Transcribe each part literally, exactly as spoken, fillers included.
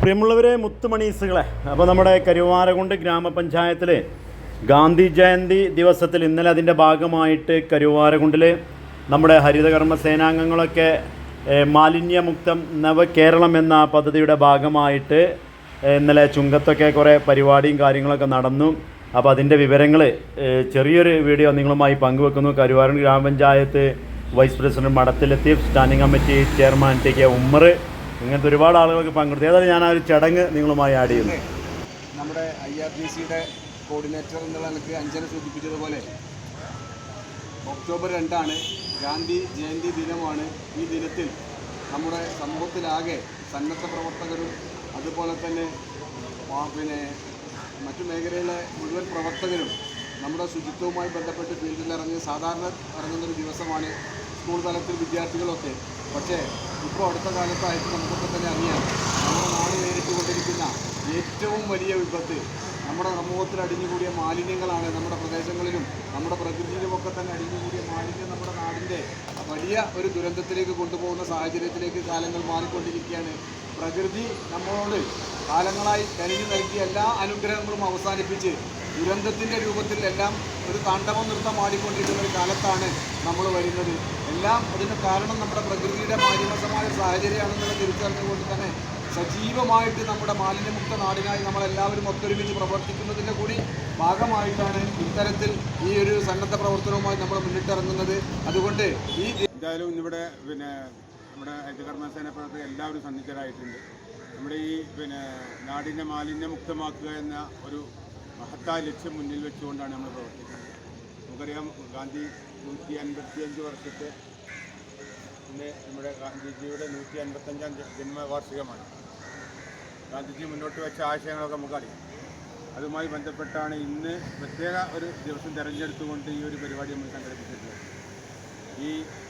പ്രിയമുള്ളവരെ, മുത്തുമണീസുകളെ, അപ്പോൾ നമ്മുടെ കരുവാരകുണ്ട് ഗ്രാമപഞ്ചായത്തിൽ ഗാന്ധി ജയന്തി ദിവസത്തിൽ ഇന്നലെ അതിൻ്റെ ഭാഗമായിട്ട് കരുവാരകുണ്ടിൽ നമ്മുടെ ഹരിതകർമ്മ സേനാംഗങ്ങളൊക്കെ മാലിന്യമുക്തം നവകേരളം എന്ന പദ്ധതിയുടെ ഭാഗമായിട്ട് ഇന്നലെ ചുങ്കത്തൊക്കെ കുറേ പരിപാടിയും കാര്യങ്ങളൊക്കെ നടന്നു. അപ്പോൾ അതിൻ്റെ വിവരങ്ങൾ ചെറിയൊരു വീഡിയോ നിങ്ങളുമായി പങ്കുവെക്കുന്നു. കരുവാരകുണ്ട് ഗ്രാമപഞ്ചായത്ത് vice president Madathil Latheef, standing committee chairman T K Ummer, ഇങ്ങനത്തെ ഒരുപാട് ആളുകൾക്ക് പങ്കെടുത്തു. ഏതായാലും ഞാൻ ആ ഒരു ചടങ്ങ് നിങ്ങളുമായി ആഡ് ചെയ്യുന്നു. നമ്മുടെ ഐ ആർ ഡി സിയുടെ കോർഡിനേറ്റർ എന്നുള്ള എനിക്ക് അഞ്ചന സൂചിപ്പിച്ചതുപോലെ ഒക്ടോബർ രണ്ടാണ്, ഗാന്ധി ജയന്തി ദിനമാണ്. ഈ ദിനത്തിൽ നമ്മുടെ സമൂഹത്തിലാകെ സന്നദ്ധ പ്രവർത്തകരും അതുപോലെ തന്നെ പിന്നെ മറ്റു മേഖലയിലെ മുഴുവൻ പ്രവർത്തകരും നമ്മുടെ ശുചിത്വവുമായി ബന്ധപ്പെട്ട് ഫീൽഡിൽ ഇറങ്ങി സാധാരണ ഇറങ്ങുന്നൊരു ദിവസമാണ് സ്കൂൾ തലത്തിൽ വിദ്യാർത്ഥികളൊക്കെ. പക്ഷേ ഇപ്പോൾ അടുത്ത കാലത്തായിട്ട് നമുക്കൊക്കെ തന്നെ അറിയാം, നമ്മുടെ നാട് നേരിട്ടുകൊണ്ടിരിക്കുന്ന ഏറ്റവും വലിയ വിപത്ത് നമ്മുടെ സമൂഹത്തിൽ അടിഞ്ഞുകൂടിയ മാലിന്യങ്ങളാണ്. നമ്മുടെ പ്രദേശങ്ങളിലും നമ്മുടെ പ്രകൃതിയിലുമൊക്കെ തന്നെ അടിഞ്ഞുകൂടിയ മാലിന്യം നമ്മുടെ നാടിൻ്റെ വലിയ ഒരു ദുരന്തത്തിലേക്ക് കൊണ്ടുപോകുന്ന സാഹചര്യത്തിലേക്ക് കാലങ്ങൾ മാറിക്കൊണ്ടിരിക്കുകയാണ്. പ്രകൃതി നമ്മളോട് കാലങ്ങളായി കനിഞ്ഞു നൽകിയ എല്ലാ അനുഗ്രഹങ്ങളും അവസാനിപ്പിച്ച് ദുരന്തത്തിൻ്റെ രൂപത്തിൽ എല്ലാം ഒരു താണ്ഡവ നൃത്തം ആടിക്കൊണ്ടിരിക്കുന്ന ഒരു കാലത്താണ് നമ്മൾ വരുന്നത്. എല്ലാം അതിന് കാരണം നമ്മുടെ പ്രകൃതിയുടെ മാലിന്യമായ സാഹചര്യമാണെന്നുള്ള തിരിച്ചറിഞ്ഞുകൊണ്ട് തന്നെ സജീവമായിട്ട് നമ്മുടെ മാലിന്യമുക്ത നാടിനായി നമ്മളെല്ലാവരും ഒത്തൊരുമിച്ച് പ്രവർത്തിക്കുന്നതിൻ്റെ കൂടി ഭാഗമായിട്ടാണ് ഇത്തരത്തിൽ ഈ ഒരു സന്നദ്ധ പ്രവർത്തനവുമായി നമ്മൾ മുന്നിട്ടിറങ്ങുന്നത്. അതുകൊണ്ട് ഈ എന്തായാലും ഇവിടെ പിന്നെ നമ്മുടെ ഹരിതകർമ്മ സേന പ്രവർത്തകർ എല്ലാവരും സന്നിധരായിട്ടുണ്ട്. നമ്മുടെ ഈ പിന്നെ നാടിനെ മാലിന്യമുക്തമാക്കുക എന്ന ഒരു മഹത്തായ ലക്ഷ്യം മുന്നിൽ വെച്ചുകൊണ്ടാണ് നമ്മൾ പ്രവർത്തിക്കുന്നത്. നമുക്കറിയാം, ഗാന്ധി നൂറ്റി അൻപത്തിയഞ്ച് വർഷത്തെ ഇന്ന് നമ്മുടെ ഗാന്ധിജിയുടെ നൂറ്റി അൻപത്തഞ്ചാം ജന്മവാർഷികമാണ്. ഗാന്ധിജി മുന്നോട്ട് വെച്ച ആശയങ്ങളൊക്കെ നമുക്കറിയാം. അതുമായി ബന്ധപ്പെട്ടാണ് ഇന്ന് പ്രത്യേക ഒരു ദിവസം തിരഞ്ഞെടുത്തുകൊണ്ട് ഈ ഒരു പരിപാടി നമ്മൾ സംഘടിപ്പിച്ചിട്ടുള്ളത്. ഈ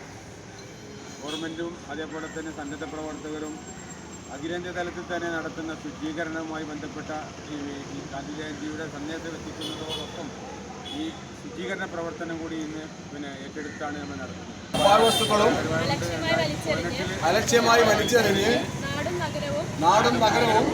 ഗവൺമെൻറ്റും അതേപോലെ തന്നെ സന്നദ്ധ പ്രവർത്തകരും അഖിലേന്ത്യാ തലത്തിൽ തന്നെ നടത്തുന്ന ശുചീകരണവുമായി ബന്ധപ്പെട്ട ഈ ഗാന്ധി ജയന്തിയുടെ സന്ദേശം എത്തിക്കുന്നതോടൊപ്പം ഈ ശുചീകരണ പ്രവർത്തനം കൂടി ഇന്ന് പിന്നെ ഏറ്റെടുത്താണ് നമ്മൾ നടത്തുന്നത്. വസ്തുക്കളും അലക്ഷ്യമായി വലിച്ചെറിഞ്ഞ് നാടും നഗരവും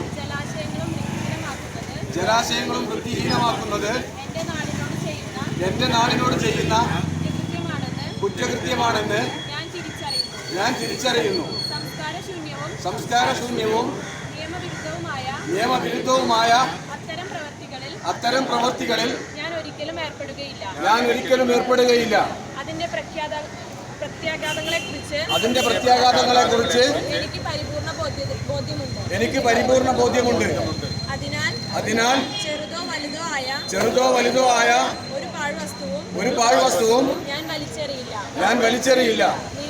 ജലാശയങ്ങളും വൃത്തിഹീനമാക്കുന്നത് എൻ്റെ നാടിനോട് ചെയ്യുന്ന കുറ്റകൃത്യമാണെന്ന് ഞാൻ തിരിച്ചറിയുന്നു. സംസ്കാരശൂന്യവും നിയമവിരുദ്ധവുമായ അത്തരം പ്രവൃത്തികളിൽ ഞാൻ ഒരിക്കലും ഏർപ്പെടുകയില്ല. അതിന്റെ പ്രത്യാഘാതങ്ങളെ കുറിച്ച് എനിക്ക് പരിപൂർണ ബോധ്യമുണ്ട്. അതിനാൽ ചെറുതോ വലുതോ ആയ ഒരു പാഴ്വസ്തുവും ഞാൻ വലിച്ചെറിയില്ല.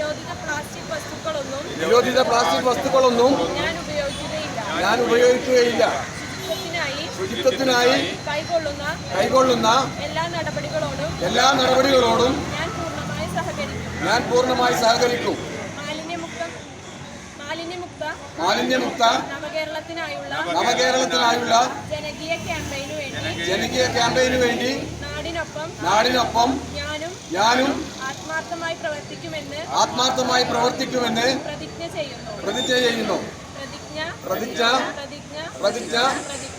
നിരോധിത പ്ലാസ്റ്റിക് വസ്തുക്കളൊന്നും ഞാൻ ഉപയോഗിക്കുകയില്ല. ശുചിത്വത്തിനായി കൈക്കൊള്ളുന്ന എല്ലാ നടപടികളോടും ഞാൻ പൂർണ്ണമായി സഹകരിക്കും. മാലിന്യമുക്ത നവകേരളത്തിനായുള്ള ജനകീയ ക്യാമ്പയിനു വേണ്ടി നാടിനൊപ്പം ഞാനും ആത്മാർത്ഥമായി പ്രവർത്തിക്കുമെന്ന് പ്രതിജ്ഞ ചെയ്യുന്നു. പ്രതിജ്ഞ പ്രതിജ്ഞ